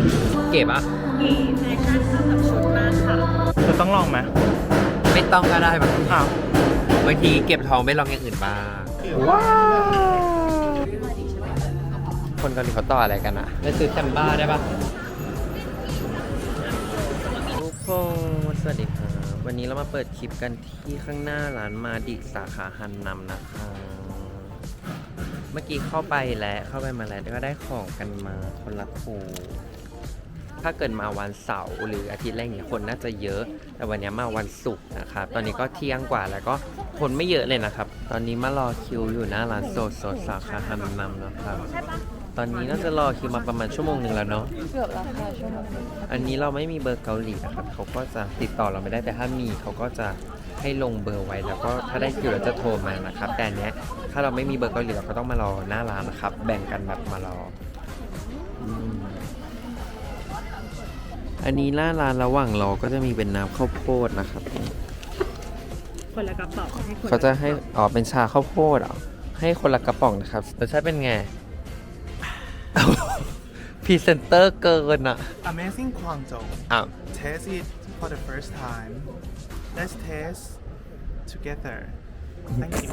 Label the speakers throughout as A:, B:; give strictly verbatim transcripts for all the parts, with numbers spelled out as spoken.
A: เก๋ปะ
B: เก๋แฟชั่นเข้ากับชุดมากค่ะ
C: เธอต้องลองไหม
A: ไม่ต้องก็ได้บางที
C: อ้าว
A: บางทีเก็บทองไม่ลองอย่างอื่นบ้าง
C: ว้าว
A: คนเกาหลีเขาต่ออะไรกันอะไปซื้อแซมบ้าได้ปะทุกคนสวัสดีครับวันนี้เรามาเปิดคลิปกันที่ข้างหน้าร้านมาดิสาขาฮันนัมนะคะเมื่อกี้เข้าไปแล้วเข้าไปมาแล้วก็ได้ของกันมาคนละคู่ถ้าเกิดมาวันเสาร์หรืออาทิตย์แรกเนี่ยคนน่าจะเยอะแต่วันนี้มาวันศุกร์นะครับตอนนี้ก็เที่ยงกว่าแล้วก็คนไม่เยอะเลยนะครับตอนนี้มารอคิวอยู่หน้าร้านโซโซสาขาฮันนัมนะครับตอนนี้น่าจะรอคิวมาประมาณชั่วโมงหนึ่งแล้วเนาะ
B: เกือบแล้วค่ะชั่วโมง
A: อันนี้เราไม่มีเบอร์เกาหลีนะครับเขาก็จะติดต่อเราไม่ได้แต่ถ้ามีเขาก็จะให้ลงเบอร์ไว้แล้วก็ถ้าได้คิวเราจะโทรมานะครับแต่อันเนี้ยถ้าเราไม่มีเบอร์เกาหลีเราก็ต้องมารอหน้าร้านนะครับแบ่งกันแบบมารออันนี้หน้าร้านระหว่างรอก็จะมีเป็นน้ำข้าวโพดนะครับ
B: คนละกระป๋องให้คน
A: เขาจะให้อ๋อเป็นชาข้าวโพดเหรอให้คนละกระป๋องนะครับรสชาติเป็นไงพรีเซนเตอร์เกินอ่ะ
C: Amazing กวางโจว
A: อ้าว
C: Taste it for the first time Let's taste together Thank you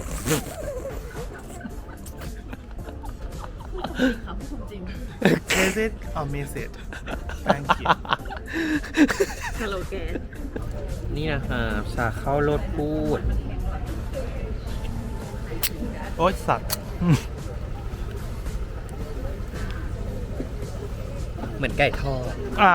B: ครับพูดจริง
C: Taste it or miss it Thank you
B: สโลแกน
A: นี่นะครับชาข้าวโลดพูด
C: โอ๊ยสัตว์
A: เหมือนไก่ทอด
C: อ้าว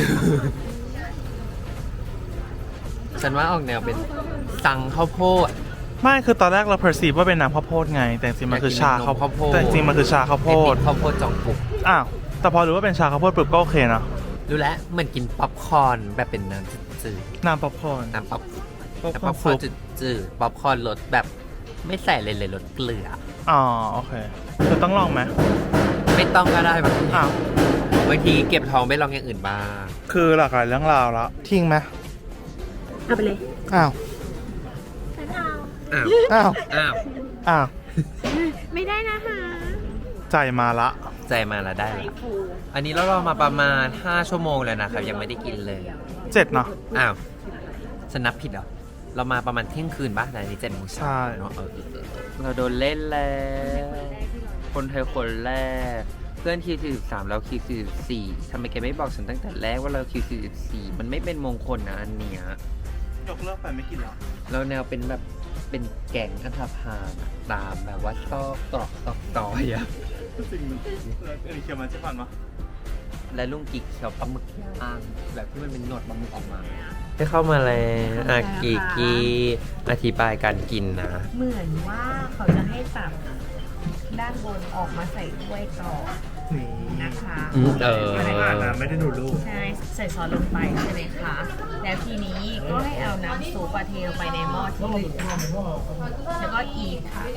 A: ฉันว่าออกแนวเป็นสังข้าวโพด
C: ไม่คือตอนแรกเรา perceive ว่าเป็นน้ำข้าวโพดไงแต่จริงๆมันคือชาข้าวโพดแต่จริงๆมันคือชาข้าวโพด
A: ข้าวโพดจองปุก
C: อ้าวแต่พอรู้ว่าเป็นชาข้าวโพดปุ๊บก็โอเคนะ
A: รู้แล้วเหมือนกินป๊อปคอร์นแบบเป็นน้ำจืด
C: น้ำป๊อปคอร์น
A: น้ำป๊อปป๊อปคอร์นจืดๆป๊อปคอร์นรสแบบไม่ใส่เลยเลยรสเกลือ
C: อ๋อโอเคเธอต้องลองไหม
A: ไม่ต้องก็ได้บางที
C: อ้าว
A: บางทีเก็บทองไม่ลองอย่างอื่นบ้าง
C: คือหลากหลายเรื่องราวแล้วทิ้งไหม
B: เอาไปเลย
C: อ้าว
A: อ้าว
C: อ้าว
A: อ้าว
C: อ้าว
B: ไม่ได้นะคะ
C: ใจมาละ
A: ใจมาละได้ละอันนี้เรารอมาประมาณห้าชั่วโมงแล้วนะครับยังไม่ได้กินเลย
C: เจ็ดเนาะ
A: อ้าวฉันนับผิดเหรอเรามาประมาณเที่ยงคืนป่ะในนี้เจ็ดโมงเช้าเนาะเออเราโดนเล่นแล้วคนไทยคนแรกเพื่อนคิวสี่สิบสามเราคิวสี่สิบสี่ทำไมแกไม่บอกฉันตั้งแต่แรกว่าเราคิวสี่สิบสี่มันไม่เป็นมงคลนะอันเนี้ย
C: ยกเลิกไปไม่กินหรอ
A: เราแนวเป็นแบบเป็นแก่งอันธพาลตามแบบว่าซอกตรอกซอกตอยอะ
C: สิ่งมันเออเขียวมันจะฟันวะ
A: และลุงกิ๊กเขียวปลาหมึกย่างแบบที่มันเป็นหนวดปลาหมึกออกมาให้เข้ามาแล้วอากิกิอธิบายการกินนะ
B: เหมือนว่าเขาจะให้ตับด้านบนออกมาใส่ถ้วยก่อนนะคะ
A: เออ
C: ไม่ได้อ่านนะไม่ได้ดูรูป
B: ใช่ใส่ซอสลงไปใช่ไหมคะแล้วทีนี้ก็ให้เอาน้ำซุปเทลงไปในหม้อที่เหลือแล้วก็อีกค่ะ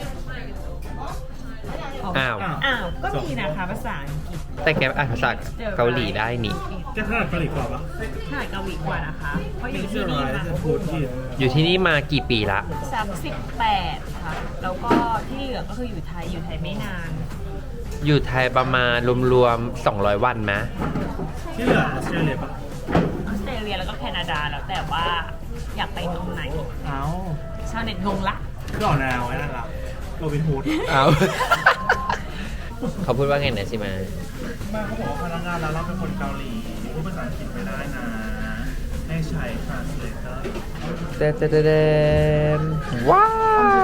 A: อ้าว
B: อ้าวก็มีนะคะภาษาอังกฤษ
A: แต่แกอ่านภาษาเกาหลีได้นี่
C: แกถนัดเกาหลีกว่าปะ
B: ถนัดเกาหลีกว่านะคะเพราะอยู่ที่นี่มา
A: อยู่ที่นี่มากี่ปีละ
B: สามสิบแปดค่ะแล้วก็ที่เหลือก็คืออยู่ไทยอยู่ไทยไม่นาน
A: อยู่ไทยประมาณรวมๆสองร้อยวันไหม
C: ที่เหลือออสเตรเลียปะ
B: ออสเตรเลียแล้วก็แคนาดาแล้วแต่ว่าอยากไปตรงไหน
C: เอ้า
B: ชาวเน็ตงงละ
C: ก็ออกแนวไว้นั่นละโรบินฮูด
A: เอาเขาพูดว่าไงนะใช่ไหม
C: บ้านเขาบอกว่าพนักงานเราเราเป็นคนเกาหลีพูดภาษาอังกฤษไม่ได้นะให้ใช้ translator
A: เด็ดเด็ดว้าว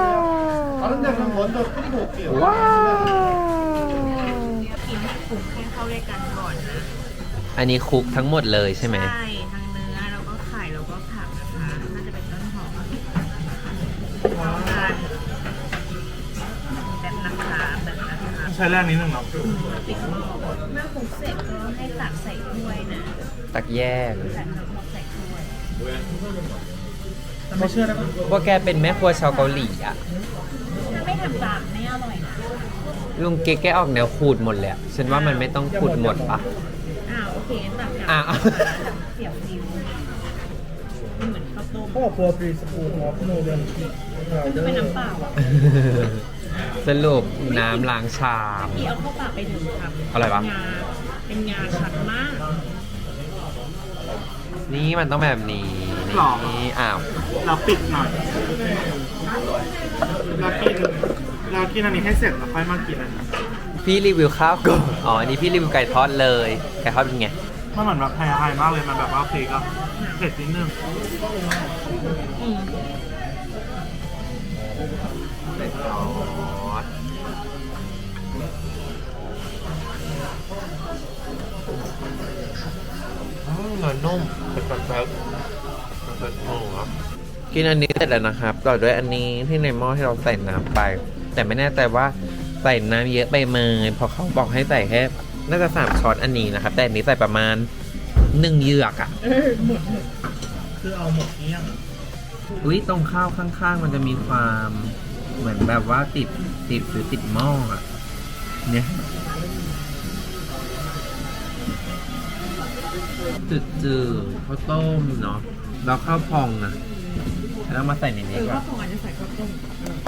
A: ว้าว
B: กินให้คลุกให้เข้าด้วยกันก่อนนะ
A: อันนี้คลุกทั้งหมดเลยใช่ไหม
B: ใช่ทั้งเนื้อแล้วก็ไข่แล้วก็ผักนะคะน่าจะเป็นต้นหอมเข้ากันแบบนะคะแบบนะคะ
C: ใช้แรกนิดนึงเนาะ
B: ปิดหม้อเมื่อคลุกเสร็จก็ให้ตักใส่ถ้วยนะ
A: ตักแยก
B: ตักทั้งหมดใส่ถ้วย
C: ไม่เชื่อนะ
A: ว่าแกเป็นแม่ครัวชาวเกาหลีอ่ะ
B: ถ้าไม่ทำตามไม่อร่อยนะ
A: ลุงเก๊กแกออกแนวขูดหมดเลยฉันว่ามันไม่ต้องขูดหมดปะ
B: อ้าวโอเคตัก
A: อ้าว
B: เสียบนิ้วมันเหมือนข้าวต้ม
C: พ่อครัวปีสปูนครับโนเดน
B: มันจะเป็นน้ำเปล่าอ่ะ
A: สรุปน้ำล้างชาม
B: ที่เอาเข้าปากไปถึงครับ
A: อะไรวะ
B: งาเป็นงาชัดมาก
A: นี่มันต้องแบบนี้
C: หรอ
A: นี่อ้าว
C: เราปิดหน่อยเรากินเรากินอันนี้ให้เสร็จแล้วค่อยมากินอันนี้
A: พี่รีวิวข้าวก่อนอ๋ออันนี้พี่รีวิวไก่ทอดเลยไก่ทอดเป็นไง
C: มันเหมือนแบบไทยๆมากเลยมันแบบว่าพริกอะเผ็ดนิดนึง
B: อืม
A: ไก่ทอดอืมเนื้อนุ่มเป็นแบบแบบเป็นหมูครับกินอันนี้เสร็จแล้วนะครับต่อด้วยอันนี้ที่ในหม้อที่เราใส่น้ำไป แต่ไม่แน่ใจว่าใส่น้ำเยอะไปไหมเพราะเขาบอกให้ใส่แค่น่าจะสามช้อนอันนี้นะครับ แต่อันนี้ใส่ประมาณหนึ่งเหยือกอ่ะ
B: เออหมดหมด
C: คือเอาหมดเนี้ยง
A: อุ้ยตรงข้าวข้างๆ มันจะมีความเหมือนแบบว่าติดติดหรือติดหม้ออ่ะ เนี่ยจืดจืดข้าวต้มเนาะแล้วข้าวพองนะแล้วมาใส่ใน
B: เอ
A: นี้
B: อ
A: ก่อ
B: ว่าน คงอาจจะใส่ข้าวต้ม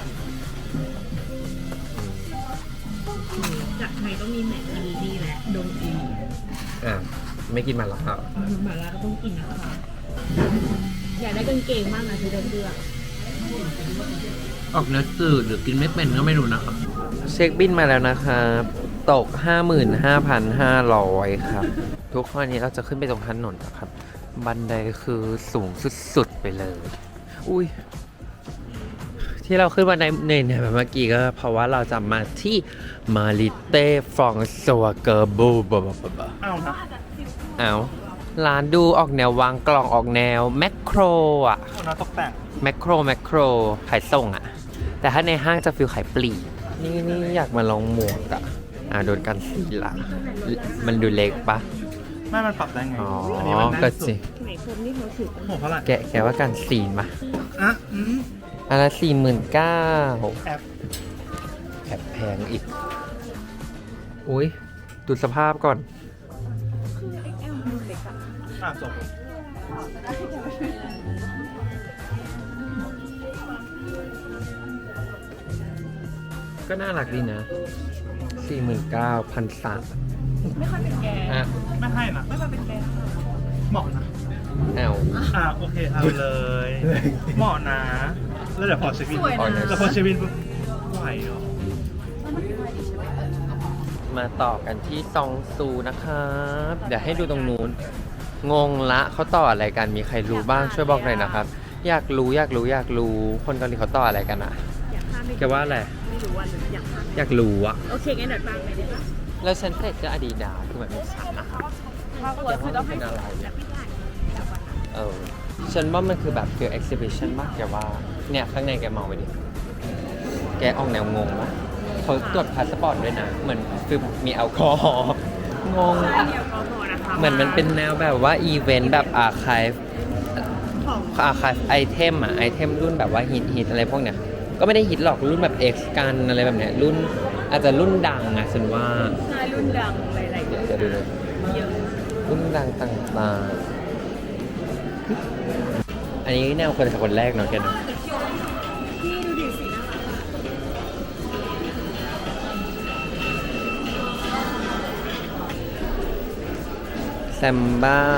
B: จากไทยต้องมีแหม่อีนี่แหละดงอี
A: อ่ะไม่กินมันแล้วครับ
B: หมาล่าก็ต้องกินนะคะอยากได้กางเกงมากนะคือเดินเดือ
A: ออกเนื้อจืดหรือกินไม่เป็นก็ไม่รู้นะครับ เช็คบินมาแล้วนะครับตก ห้าหมื่นห้าพันห้าร้อย ครับ ทุกข้อนี้เราจะขึ้นไปตรงถนนนะครับ บันไดคือสูงสุดๆไปเลย อุ้ย ที่เราขึ้นบันไดเหนื่อยๆแบบเมื่อกี้ก็เพราะว่าเราจะมาที่มาริเต้ฟรองซัวเกอร์บูบะบะบะบะ
C: เอานะ
A: เอาร้านดูออกแนววางกล่องออกแนวแมคโครอ่ะ
C: เอานะตกแต่ง
A: แมคโครแมคโครขายส่งอ่ะ แต่ถ้าในห้างจะฟิลขายปลีกนี่นี่อยากมาลองหมวกอ่ะ อ่าโดนกันสีละมันดูเล็กปะ
C: ไม่มันปรับได้ไง
A: อ๋อ
C: อันนี้มันแน่น
A: ก็
C: สุ
A: จริ
C: ด
A: ง
B: ไหนพรมนี่เขาถือ
C: โอ้โหเท่าไหร่
A: แกะแกะว่ากันสีมา
C: อ่ะอืม
A: อันละสี่หมื่นเก้า
C: แอป
A: แอบแพงอีก อุ้ยดูสภาพก่อน
B: คือเอ็กแอลมันเล็กอะ
C: อ่ะจบ
A: ก็น่ารักดีนะสี่หมื่นเก้าพันสาม
B: ไม่ค่อยเป็นแก
A: อ่ะ
C: ไม่ให้นะ
B: ไม่ค่อยเป็นแก
C: เหมาะนะ
A: เอา
C: อ่ะโอเคเอาเลยเหมาะนะแล้วเดี๋ยวพอเช็คบิน
B: สวยนะ
C: แล้วพอเช็คบินปุ๊บไหวเหรอ
A: มาต่อกันที่ซองซูนะครับ เดี๋ยวให้ดูตรงนู้น งงละเขาต่ออะไรกัน มีใครรู้บ้างช่วยบอกหน่อยนะครับ อยากรู้อยากรู้อยากรู้ คนเกาหลีเขาต่ออะไรกันอ่ะ
B: อยากข้ามไม่
A: แกว่าอะไร
B: ไม่รู้ว่าหรืออยากข้าม
A: อยากรู้อะ
B: โอเคงั้นเดี๋ยวตามไปได้ปะ
A: แล้วฉันใส่เสื้ออาดิดาสคือแบบเป็นฉันนะครับ
B: ถ้าควรคือต้องให้สุดแล้วพี่ถ่ายแล้ววันนั้น
A: เออ ฉันว่ามันคือแบบฟิล exhibition มากแกว่า เนี่ยข้างในแกมองไปดิ แกออกแนวงงปะเขาตรวจพาสปอร์ตด้วยนะ เหมือนคือมีแอลกอฮอล์งง
B: ใช่เดี๋ยวก็พอนะคะ
A: เหมือนมันเป็นแนวแบบว่าอีเวนต์แบบอาร์คาย
B: ของ
A: อาร์คายไอเทมอะไอเทมรุ่นแบบว่าฮิตฮิตอะไรพวกเนี้ย ก็ไม่ได้ฮิตหรอกรุ่นแบบ X กันอะไรแบบเนี้ยรุ่นอาจจะรุ่นดังอะฉันว่า
B: ชายรุ่นดังหลายๆรุ่น
A: เดี๋ยวดูเลย
B: เยอะ
A: รุ่นดังต่างๆ อันนี้แนวคนคนแรกเนาะแกเนาะ
B: พี่ดูดิสีน่ารัก
A: แซมบ้า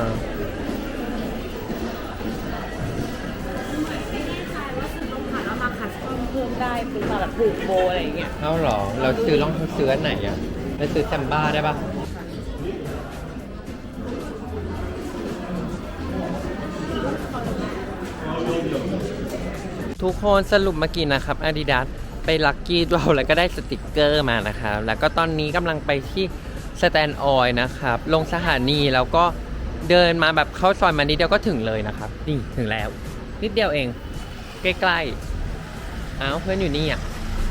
B: ต้องผ่านแล้วมาคัสตอมเพิ่มได้เป็นมาแบบผูกโบอะไรอย่างเงี้ย
A: เอ้าเหรอ เราซื้อลองซื้ออันไหนอ่ะเราซื้อแซมบ้าได้ปะทุกคนสรุปเมื่อกี้นะครับ Adidas ไปลักกี้เราแล้วก็ได้สติกเกอร์มานะครับ แล้วก็ตอนนี้กำลังไปที่สแตนด์ออยล์นะครับ ลงสถานีแล้วก็เดินมาแบบเข้าซอยมานิดเดียวก็ถึงเลยนะครับ นี่ถึงแล้ว นิดเดียวเอง ใกล้ๆอ้าวเพื่อนอยู่นี่อ่ะ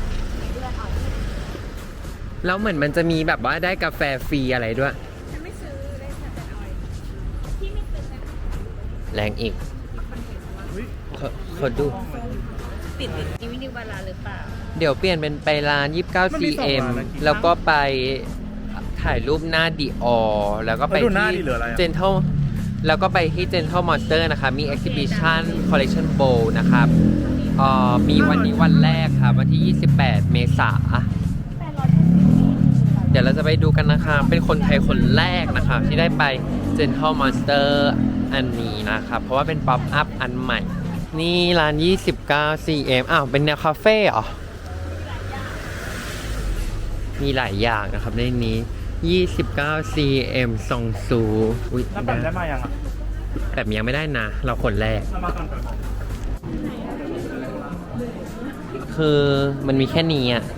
A: แล้วเหมือนมันจะมีแบบว่าได้กาแฟฟรีอะไรด้วย
B: ฉันไม่ซื้อได้แค่แต่ออยพี่ไม่ซื้อนะ
A: แรงอีกเขาเขาดู
B: ติดติดนิวินิวบาลาหรือเปล่า
A: เดี๋ยวเปลี่ยนเป็นไปร้าน ยี่สิบเก้า ซี เอ็ม แล้วก็ไปถ่ายรูปหน้าดีออแล้วก็ไป
C: แล้วดูหน้า
A: ที่
C: ดิเหลืออะไรอะ
A: เจนทัลแล้วก็ไปที่ Gentle Monster นะคะมี Exhibition Collection Bowl นะครับเอ่อมีวันนี้วันแรกครับ วันที่ ยี่สิบแปด เมษา เดี๋ยวเราจะไปดูกันนะคะ เป็นคนไทยคนแรกนะคะที่ได้ไป Gentle Monster อันนี้นะครับ เพราะว่าเป็นป๊อปอัพอันใหม่ นี่ร้าน ยี่สิบเก้า ซี เอ็ม อ้าว เป็นแนวคาเฟ่เหรอ มีหลายอย่างนะครับในนี้ ยี่สิบเก้า ซี เอ็ม ซองซูอุ๊ย
C: แล้วแบบได้มายังอ่ะ
A: แบบยังไม่ได้นะ เราคนแรก
C: เรามาก่อนก่อน
A: คือมันมีแค่นี้อ่ะ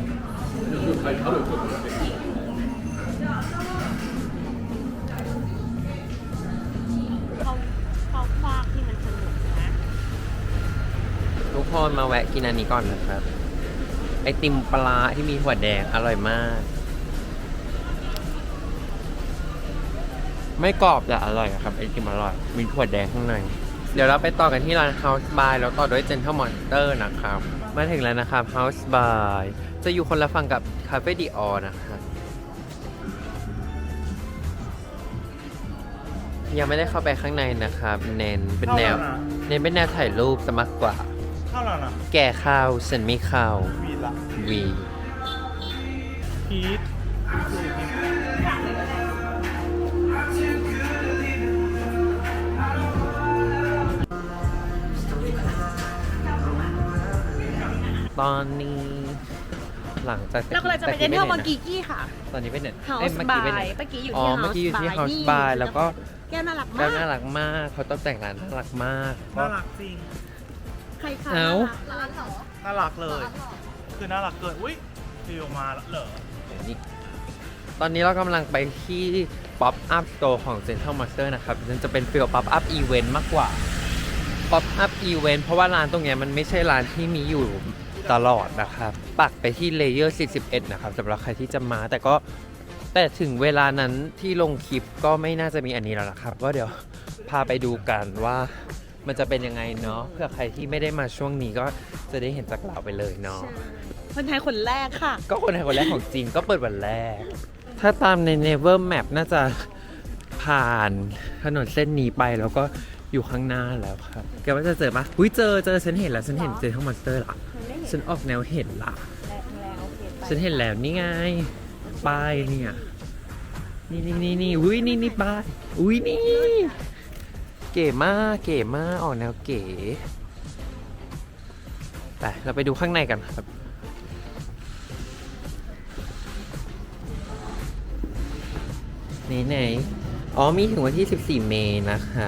B: เขาเขาฟากที่มันสนุกนะ
A: ทุกคนมาแวะกินอันนี้ก่อนนะครับ ไอติมปลาที่มีหัวแดงอร่อยมาก ไม่กรอบแต่อร่อยอะครับ ไอติมอร่อย มีถั่วแดงข้างใน เดี๋ยวเราไปต่อกันที่ร้าน House by แล้วต่อด้วย Gentle Monster นะครับ มาถึงแล้วนะครับ House by จะอยู่คนละฝั่งกับ Cafe Dior นะครับ ยังไม่ได้เข้าไปข้างในนะครับ เน้นเป็นแนว เน้นเป็นแนวถ่ายรูปซะมากกว่า
C: เข้าแล้วนะ
A: แก่ข้าวฉันไม่เข้า
C: วีละ
A: วี
C: พีท
A: ตอนนี้หลังจาก
B: เรากำลังจะไปเดินเที่ยวมังกีกี้ค่ะ
A: ตอนนี้ไปไหน
B: House
A: เอ้ยเมื่อกี้ไป
B: by
A: ไหน
B: เมื่อกี้อยู่
A: อ๋อ
B: ที่
A: เมื่อกี้อยู่ที่
B: House
A: House
B: by
A: by แล้วก็
B: แก้วน่ารัก
A: แก้
B: มาว ก
A: น่ารักมากเขาตกแต่งร้านน่ารักมาก
C: น่ารักจริง
B: ใครคะ
A: เอ้า
B: ร้านเหรอ
C: น่ารักเลย คือน่ารักเกิน อุ้ยฟิวมาแล้วเหรอ
A: นี่ตอนนี้เรากำลังไปที่ Pop Up Store ของ Gentle Monster นะครับมันจะเป็นฟิล Pop Up Event มากกว่า Pop Up Event เพราะว่าร้านตรงเนี้ยมันไม่ใช่ร้านที่มีอยู่ตลอดนะครับ ปักไปที่ Layer สี่สิบเอ็ดนะครับสำหรับใครที่จะมา แต่ก็แต่ถึงเวลานั้นที่ลงคลิปก็ไม่น่าจะมีอันนี้แล้วนะครับ ก็เดี๋ยวพาไปดูกันว่ามันจะเป็นยังไงเนาะเพื่อใครที่ไม่ได้มาช่วงนี้ก็จะได้เห็นจากเราไปเลยเนาะ
B: คนไทยคนแรกค่ะ
A: ก็คนไทยคนแรกของจีนก็เปิดวันแรก ถ้าตามใน Never Map น่าจะผ่านถนนเส้นนี้ไปแล้วก็อยู่ข้างหน้าแล้วครับแกว่าจะเจอปะอุ้ยเจอเจอฉันเห็นแล้วฉันเห็นเจอทั้งมอนสเตอร์ละฉันออกแนวเห็นละฉันเห็นแล้วนี่ไงป้ายเนี่ยนี่นี่นี่นี่อุ้ยนี่นี่ป้ายอุ้ยนี่เก๋มากเก๋มากออกแนวเก๋ไปเราไปดูข้างในกันครับไหนไหนอ๋อมีถึงวันที่สิบสี่เมษายนนะครับ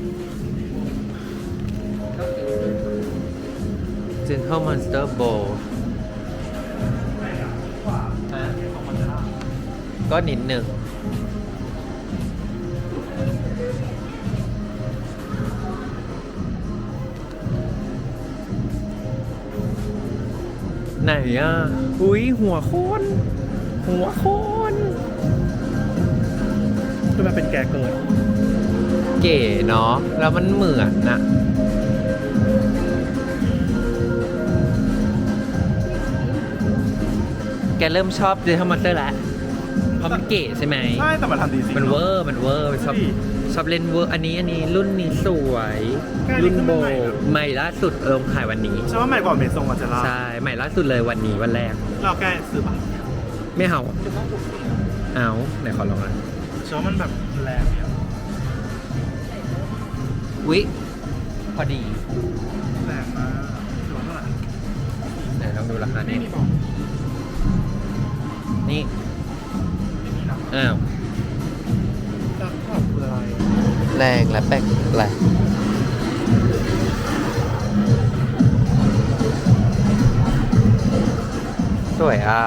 A: Gentle Monster Bowl ก็นิดหนึ่งไหนอ่ะ อุ้ยหัวโคน หัวโคน
C: คือมันเป็นแกเกิน
A: เก๋เนาะแล้วมันเหมือนนะแกเริ่มชอบเจอร์มอนเตอร์แล้วเพราะมันเก๋ใช่ไหม
C: ใช่ แต่มันทำดีจริง
A: มันเวอร์มันเวอร์ชอบ
C: ดี
A: ชอบเล่นเวอร์อันนี้อันนี้รุ่นนี้สวย
C: แค่นี้
A: รุ่น
C: ก็
A: โบ
C: ไม่ใหม่นะ
A: ใหม่ล่าสุดเอิมขายวันนี้
C: ใช่ว่าใหม่กว่าเมซงกับเจล่า
A: ใช่ใหม่ล่าสุดเลยวันนี้วันแรก
C: เราแกซื้อปะ
A: ไม่เอาเอาไหนขอลองหน่อย
C: ใช่ว่ามันแบบแรงเนี่ย
A: อุ๊ยพอดี
C: แรงมากถือว่าเท่าไหร่
A: ไหนลองดูราคา
C: นี่
A: นี่
C: นี่บอก
A: นี่
C: ไม่มีนะ
A: อ้าว
C: จะขอบคืออะไร
A: แรงและแปลกแปลกสวยอ่ะ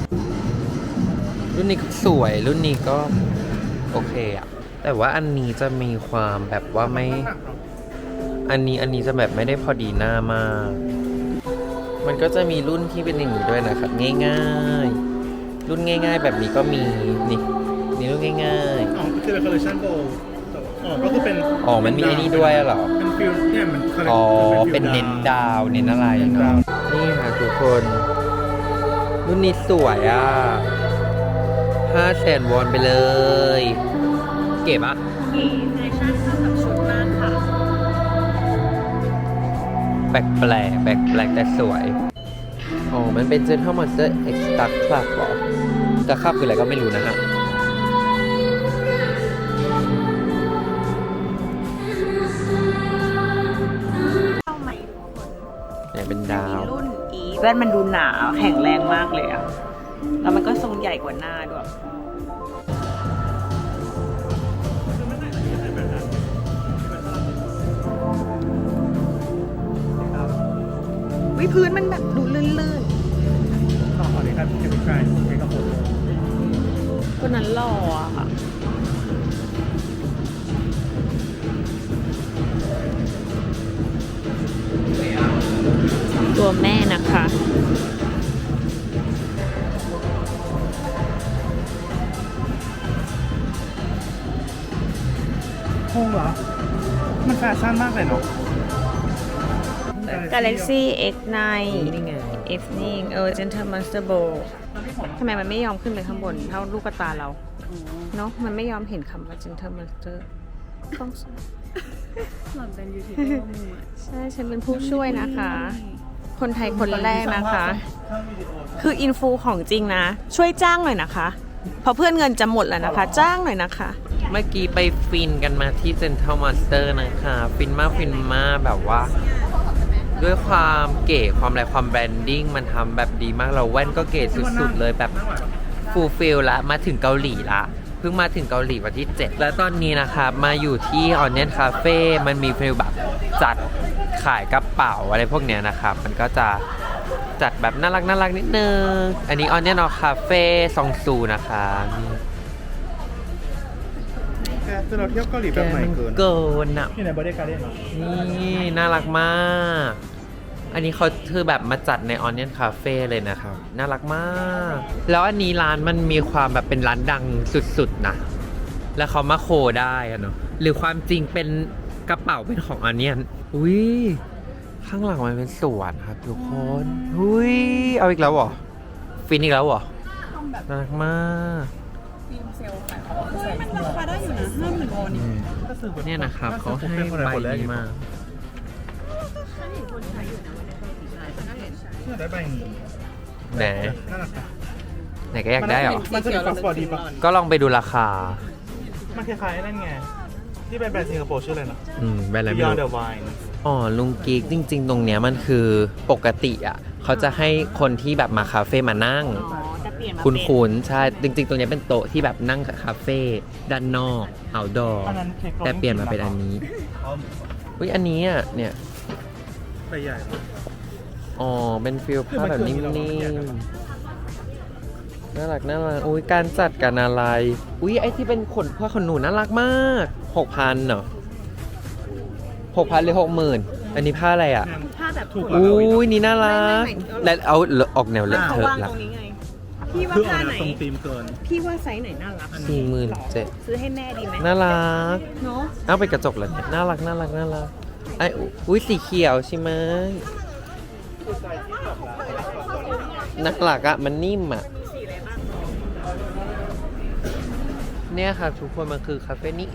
A: รุ่นนี้ก็สวยรุ่นนี้ก็โอเคอ่ะ แต่ว่าอันนี้จะมีความแบบว่าไม่ อันนี้อันนี้จะแบบไม่ได้พอดีหน้ามาก มันก็จะมีรุ่นที่เป็นอย่างนี้ด้วยนะครับ ง่ายๆ รุ่นง่าย ๆ แบบนี้ก็มีนี่นี่รุ่นง่าย
C: อ๋อคือเป็นคอลเลคชันโบว์อ๋อ ก็คือเป็น
A: อ๋อมันมีไอ้นี่ด้วยเหรอ
C: เป็นฟิลเนี่ยมัน
A: ๆ อ๋อ เป็นเน้นดาวเน้นอะไรเนาะนี่ค่ะทุกคน รุ่นนี้สวยอ่ะห้าแสนวอนไปเลย เก็บอ่ะ
B: กี่แฟชั่นเข้ากับชุดมากค่ะ
A: แปลกแปลกแปลกแปลกแต่สวย อ๋อ มันเป็น Gentle Monster Extra Club เหรอจะคลับคืออะไรก็ไม่รู้นะฮะ
B: ว่นมันดูหนาแข็งแรงมากเลยอะแล้วมันก็ทรงใหญ่กว่าหน้าด้วย วิพื้นมันแบบดูลื่น
C: ขอขอนี้ครับจะเป็นใครเป็นกระโปรง
B: ๆคนนั้นหล่ออะค่ะ ตัวแม่นะคะ
C: โค้งเหรอ มันแฟชั่นมากเลยเนาะ
B: Galaxy เอ็กซ์ ไนน์
A: นี่ไง
B: Evening เออ Gentle Monster Bowl ทำไมมันไม่ยอมขึ้นไปข้างบนเท่าลูกกระตาเรา เนอะมันไม่ยอมเห็นคำว่า Gentle Monster ต้อง
D: หล่อนเป็นยูทูบเบอร์มือ
B: ใช่ ฉันเป็นผู้ช่วยนะคะ คนไทยคนแรกนะคะ
C: ถ้าวิดีโอ
B: คืออินฟูของจริงนะ ช่วยจ้างหน่อยนะคะ เพราะเพื่อนเงินจะหมดแล้วนะคะ จ้างหน่อยนะคะ
A: เมื่อกี้ไปฟินกันมาที่เซ็นทรัลมอนสเตอร์นะคะ ฟินมากฟินมากแบบว่า ด้วยความเก๋ความอะไรความแบรนดิ้งมันทำแบบดีมากเราแว่นก็เก๋สุดๆเลยแบบฟูลฟิลละมาถึงเกาหลีละเพิ่งมาถึงเกาหลีวันที่เจ็ดแล้วตอนนี้นะครับมาอยู่ที่ Onion Cafe มันมีฟิลแบบจัดขายกระเป๋าอะไรพวกเนี้ยนะครับ มันก็จะจัดแบบน่ารักน่ารักนิดนึง อันนี้ Onion Cafe ซองซูนะคะนี่
C: แกคือเราเที่ยวเกาหลีแบบใหม่เกิน
A: เกินอะ
C: ที่ไหนบริการได้เนาะ
A: นี่น่ารักมาก อันนี้เขาคือแบบมาจัดใน Onion Cafe เลยนะครับ น่ารักมาก แล้วอันนี้ร้านมันมีความแบบเป็นร้านดังสุดๆนะ แล้วเขามาโคได้อะเนาะ หรือความจริงเป็นกระเป๋าเป็นของ Onion อุ้ยข้างหลังมันเป็นสวนครับทุกคนอุ้ยเอาอีกแล้วเหรอ ฟินอีกแล้วเหรอ น่ารักมาก
D: มันราคาได้อยู่นะห้าหมื่นวอนนี่
A: เนี่ยนะครับเขาให้ใบนี้มา
C: อยากได้ใบนี้
A: ไหน
C: น่ารักอะ
A: ไหนก็อยากได้เหรอ
C: มันจะเป็นฟอสฟอร์ดีปะ
A: ก็ลองไปดูราคา
C: มันคล้ายๆนั่นไง ที่เป็นแบรนด์สิงคโปร์ชื่ออะไรนะ
A: อืมแบรนด์อะไรไม่
C: Beyond
A: รู้
C: the Vine
A: อ๋อลุงกิ๊กจริง ๆ ตรงเนี้ยมันคือปกติอ่ะเขาจะให้คนที่แบบมาคาเฟ่มานั่ง
B: อ๋อ จะเปลี่ยนมา
A: คุณ
B: เป็น
A: คุณใช่ จริง ๆ ตรงเนี้ยเป็นโต๊ะที่แบบนั่งคาเฟ่ด้านนอก outdoor
C: อันนั้นเค้กโรล
A: แต่เปลี่ยนมาเป็นอันนี้ อุ้ยอันนี้อ่ะเนี่ย
C: ใบใหญ่
A: อ๋อ เป็นฟิลผ้าแบบนิ่มๆ น่ารักน่ารักอุ้ยการจัดกันอะไร อุ้ยไอที่เป็นขนผ้าขนหนูน่ารักมากหกพันเหรอหกพันหรือหกหมื่นอันนี้ผ้าอะไรอ่ะ
B: ผ้าแบบ
C: ถูก
B: โอ้
A: อุ้ยนี่น่ารัก และเอาออกแนวเลอะ
B: เขา
A: เทอะ
B: วาง
A: ละ
B: ตรงนี้ไง พี่ว่า
C: คือออก
B: ผ้า
C: แน
B: ไหน
C: วตรงธีมเกิน
B: พี่ว่าไซส์ไหนน่ารัก
A: สี่หมื่นเจ็ด
B: ซื้อให้แม่ดีไหม
A: น่ารัก
B: เนาะ
A: เอาไปกระจกเลยเนี่ยน่ารักน่ารักน่ารักไออุ้ยสีเขียวใช่ไหมน่ารักอะมันนิ่มอะเนี่ยครับทุกคนมันคือคาเฟ่นี้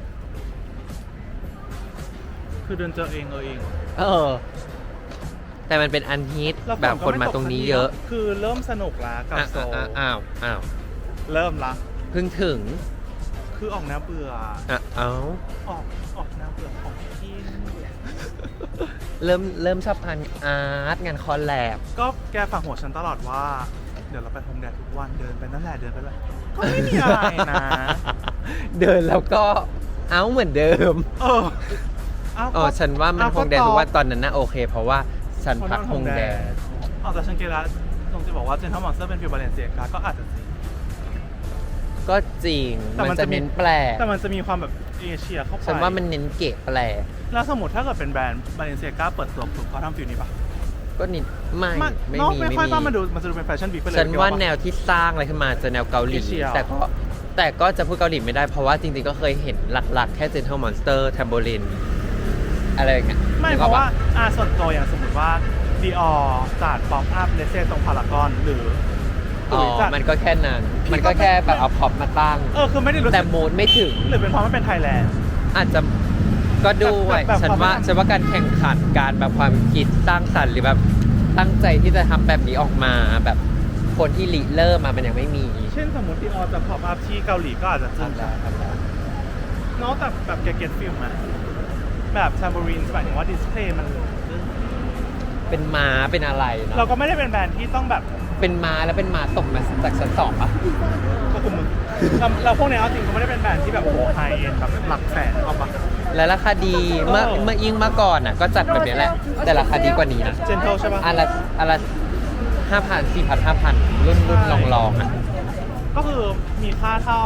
C: คือเดินเจอเองเออเอง
A: เออ แต่มันเป็นอันฮิต
C: แล้วฝ
A: แบบคน
C: ก็
A: มา
C: ไก
A: ตรงนี้เยอะ
C: คือเริ่มสนุกละกับ
A: อ้าว
C: โซล
A: อ้าวอ้าวอ้าว
C: เริ่มละ
A: เพิ่งถึง
C: คือออกแนวเบื่อ
A: อ่ะเอ้า
C: ออกออกแนวเบื่อของกิน
A: เริ่มเริ่มชอบทานอาร์ตงานคอลแลบ
C: ก็แกฝากหัวฉันตลอดว่า เดี๋ยวเราไปโฮมแดดทุกวันเดินไปนั่นแหละเดินไปเลยก็ไม่มีอะไรนะ
A: เดินแล้วก็เอ้าเหมือนเดิม
C: เออเา
A: อ๋อ
C: ก็
A: ฉันว่ามัน
C: เอ้
A: คงแดน
C: ก็
A: เพ
C: ตอบ
A: ราะว่าตอนนั้นน่ะโอเค เพราะว่าฉันพักคงแดน
C: อ๋อแต่ฉันเกล้าตรงจะบอกว่าเจนทอมมอนสเตอร์เป็นฟิวบาเลนเซียกาก็อาจจะจริง
A: ก็จริง
C: แต่
A: มัน
C: มัน
A: จะ
C: จะมี
A: เน้นแปลก
C: แต่มันจะมีความแบบเอเชียเข้าไป
A: ฉันว่ามันเน้นเก๋แปลก
C: แล้วสมมติถ้าเกิดเป็นแบรนด์บาเลนเซียกาเปิดตัวปุ๊บเขาทำฟิวนี้ปะ
A: ก็นิดไม่
C: มัน
A: ไม่
C: เนอะ
A: มี
C: ไม่
A: ไม่
C: ค่อย
A: มี
C: ต้องมาดูมันจะดูเป็นแฟชั่นวีคไปเลย
A: ฉันว่า
C: คิดปะ
A: แนวที่สร้างอะไรขึ้นมาจะแนวเกาหลี
C: เอเชีย
A: แต่ก็แต่ก็จะพูดเกาหลีไม่ได้เพราะว่าจริงๆก็เคยเห็นหลักๆ แค่ Gentle Monster Tambourine อะไรอย่างเงี้ย
C: ไม่
A: นึก
C: เพ
A: ออก
C: ราะ
A: ป
C: ว่าอาส่วนตัวอย่างสมมติว่าดีออจัดป๊อปอัพเลเซ่ตรงพารากอนหรือ
A: อ๋อ
C: หรือจัด
A: มันก็แค่นั้น
C: พี่
A: มันก็
C: ก็
A: แค่แบบเอาพร็อพมาตั้ง
C: เออคือไม่ได้รู้สึ
A: แต่
C: ก
A: โมดไม่ถึง
C: หรือเป็นเพราะมันเป็นไทยแลนด์
A: อาจจะก็ด้วย
C: แบบแบบ
A: ฉันว่า
C: ความ
A: ฉันว่าการแข่งขันการแบบความคิดสร้างสรรค์หรือแบบตั้งใจที่จะทำแบบนี้ออกมาแบบคนที่ริเริ่มมามันยังไม่มี
C: เช่นสมมติดีออจะป๊อปอัพที่เกาหลีก็อาจจะจึง
A: ทำได้ทำได้
C: เนาะแต่แบบแกเก็ตฟิลมาแบบซัมบูรินหมายถึงว่าดิสเพลย์มัน
A: กเป็นม้าเป็นอะไรเนาะ
C: เราก็ไม่ได้เป็นแบรนด์ที่ต้องแบบ
A: เป็นม้าแล้วเป็นม้าตกมาจากชั้นสองปะ
C: ก็คุมมึงเราเราพวกเนี้ยเอาจริงเขาไม่ได้เป็นแบรนด์ที่แบบโอ้โหไฮเอ็นแบบหลักแสนเอาปะ
A: และราคาดีเมื่อ
C: เออ
A: เมื่อยิ่งเมื่อก่อนอ่ะก็จัดแบบนี้แหละ แต่ราคาดีกว่านี้นะ
C: เจนเทลใช่ปะ
A: อันละอันละห้าพันสี่พันห้าพันรุ่นรุ่นลองลองๆอ่ะ
C: ก็คือมีค่าเท่า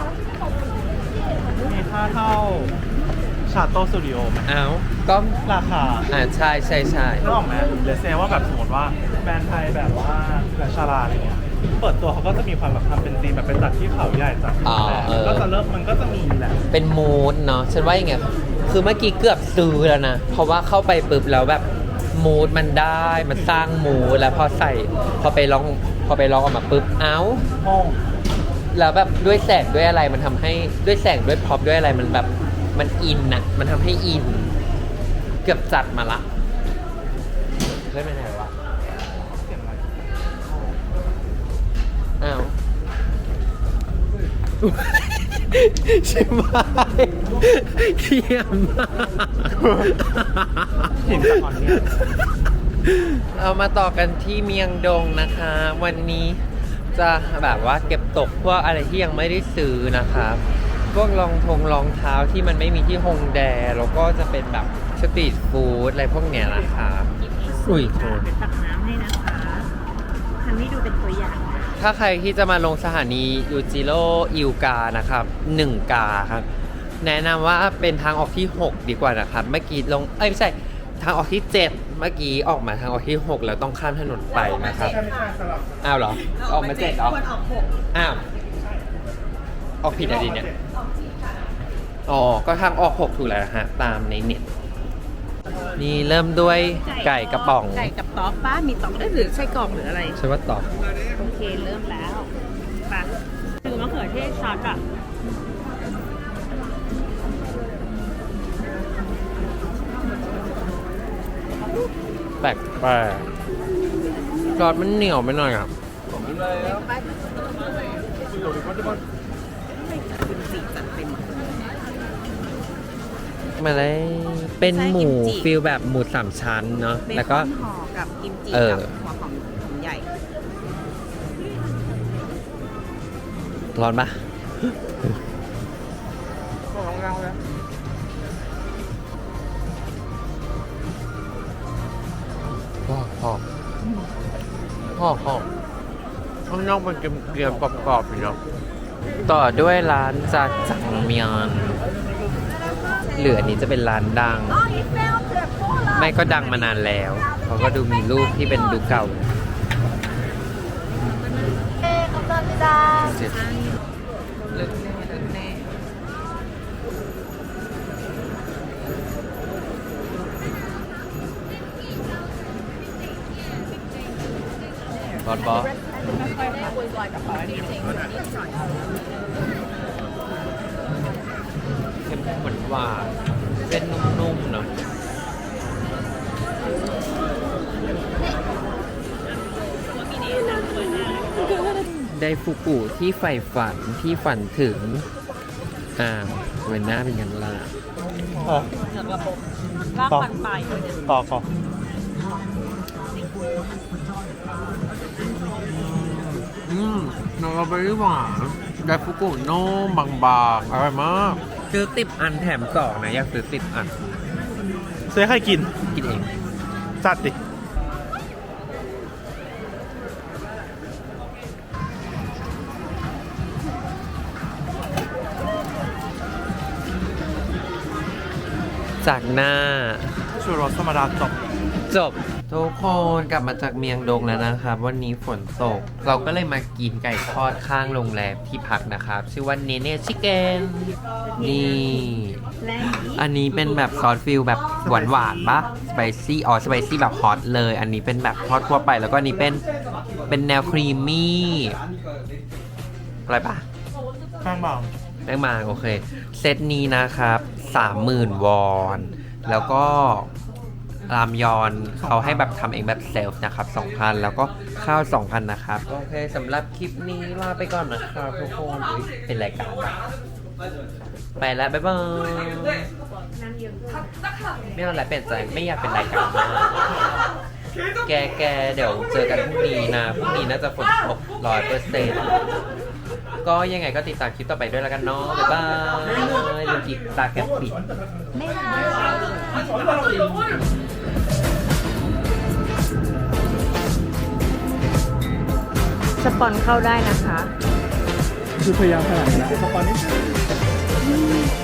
C: มีค่าเท่าชาโตสตูดิโอไหม
A: เอ้าก็
C: ราคา
A: อ่าใช่ใช่ใช่
C: นึกออกไหมเดี๋ยวเซว่าแบบสมมติว่าแบรนด์ไทยแบบว่าแบบชาลาอะไรเงี้ยเปิดตัวเขาก็จะมีความแบบทำเป็นธีมแบบเป็นจัดที่เขาใหญ่จัดที่แหลมก็จะเริ่มมันก็จะมีแหละ
A: เป็นมูดเนาะฉันว่าอย่างไงคือเมื่อกี้เกือบซื้อแล้วนะ เพราะว่าเข้าไปปุ๊บแล้วแบบมูดมันได้มันสร้างมูดแล้วพอใส่พอไปลองพอไปลองออกมาปุ๊บเอ้า
C: ห้อง
A: แล้วแบบด้วยแสงด้วยอะไรมันทำให้ด้วยแสงด้วยพร็อพด้วยอะไรมันแบบมันอินนะมันทำให้อิน เกือบจัดมาละเฮ้ยไม่ไหนวะ
C: เสียงอะไร
A: อ้าวใช่ไหมเขียมมาก
C: หินจากอ่อนเนี่ย
A: เอามาต่อกันที่เมียงดงนะคะ วันนี้จะแบบว่าเก็บตกพวกอะไรที่ยังไม่ได้ซื้อนะครับพวกรองทงรองเท้าที่มันไม่มีที่ฮงแดแล้วก็จะเป็นแบบสตรีทฟู้ดอะไรพวกเนี้ยนะครับอุ้ยโทษ
D: เป็นตักน้ำให้นะคะทำให้ดูเป็นตัวอย่างนะ
A: ถ้าใครที่จะมาลงสถานียูจิโร่อิวกานะครับหนึ่งกาครับ แนะนำว่าเป็นทางออกที่ หก ดีกว่านะครับ เมื่อกี้ลง เอ้ยไม่ใช่ ทางออกที่ เจ็ด เมื่อกี้ออกมาทางออกที่ หก แล้วต้องข้ามถนนไปนะครับ อ้าวเหรอ ออกมาเจ็ดเหรอ
D: ควรออกหก
A: อ้าว ออกผิดอะไรดีเนี่ย อ๋อ ก็ทางออก หก ถูกแล้วนะฮะ ตามในเน็ต นี่เริ่มด้วยไก่กระป๋อง
D: ไก่กับต๊อกป้ามีต๊อกได้หรือไส้กรอกหรืออะไร
A: ใช่ว่าตอบ
D: โอเคเริ่มแล้วไปคือมะเขือเทศช็อตอ่ะ
A: แปลกแปลกซอสมันเหนียวไปหน่อยครับ มาเลยเป็นหมูฟิลแบบหมูสามชั้นเนาะ
D: เบ
A: แล้ว
D: ค
A: ก็
D: อนห่อกับกิมจิ
A: เออ
D: กับหัวหอมหอมใหญ่
A: ร้อนปะพ่อพ่อพ่อพ่อข้างนอกมันเกรียมๆกรอบๆอยู่เนาะต่อด้วยร้านจาจังเมียนเหลืออันนี้จะเป็นร้านดัง ไม่ก็ดังมานานแล้วเขาก็ดูมีรูปที่เป็นดูเก่าเจ็ด
D: ลึกแน่ลึกแน่
A: ร้อนบอเค็มเหมือนหวานเส้นนุ่มๆเนาะได้ฟุกุที่ใฝ่ฝันที่ฝันถึง อ่าวเวนหน้าเป็นกันล่ะ
C: อ่ะ
D: เหนือกระบบลากฟันปลายเลยเนี่ย
C: ต่อก่อน
A: อืมน้องเราไปหวานได้ฟุกุนุ่มบางๆอร่อยมากซื้อติบอันแถมสองนะ อยากซื้อติบอัน
C: เซใครกิน
A: กินเอง
C: จัดดิ
A: จากหน้า
C: ชูรสธรรมดาจบ
A: จบทุกคนกลับมาจากเมียงดงแล้วนะครับ วันนี้ฝนตก เราก็เลยมากินไก่ทอดข้างโรงแรมที่พักนะครับ ชื่อว่าเนเน่ชิคเก้นนี่
D: แรงนี้
A: อันนี้เป็นแบบซอสฟิลแบบหวานหวานๆปะสไปซี่อ๋อสไปซี่แบบฮอตเลย อันนี้เป็นแบบทอดทั่วไป แล้วก็อันนี้เป็นเป็นแนวครีมมี่อะไรปะ
C: แป้งบาง
A: แป้งมาโอเค เซตนี้นะครับสามหมื่นวอน แล้วก็รามยอนเขาให้แบบทำเองแบบเซลฟ์นะครับสองพันแล้วก็ข้าว สองพัน นะครับ โอเคสำหรับคลิปนี้ลาไปก่อนนะครับทุกคนอุ๊ยเป็นรายการอะไปแล้ว บ๊ายบายไม่เอาอะไรเปลี่ยนใจไม่อยากเป็นรายการมากแกแกเดี๋ยวเจอกันพรุ่งนี้นะพรุ่งนี้น่าจะฝนตกร้อยเปอร์เซ็นต์ก็ยังไงก็ติดตามคลิปต่อไปด้วยแล้วกันเนาะบ๊ายบายลืมติดตาแกปปิด
B: สปอนเข้าได้นะคะ
C: คือพยายามขนาดนี้สปอนนิด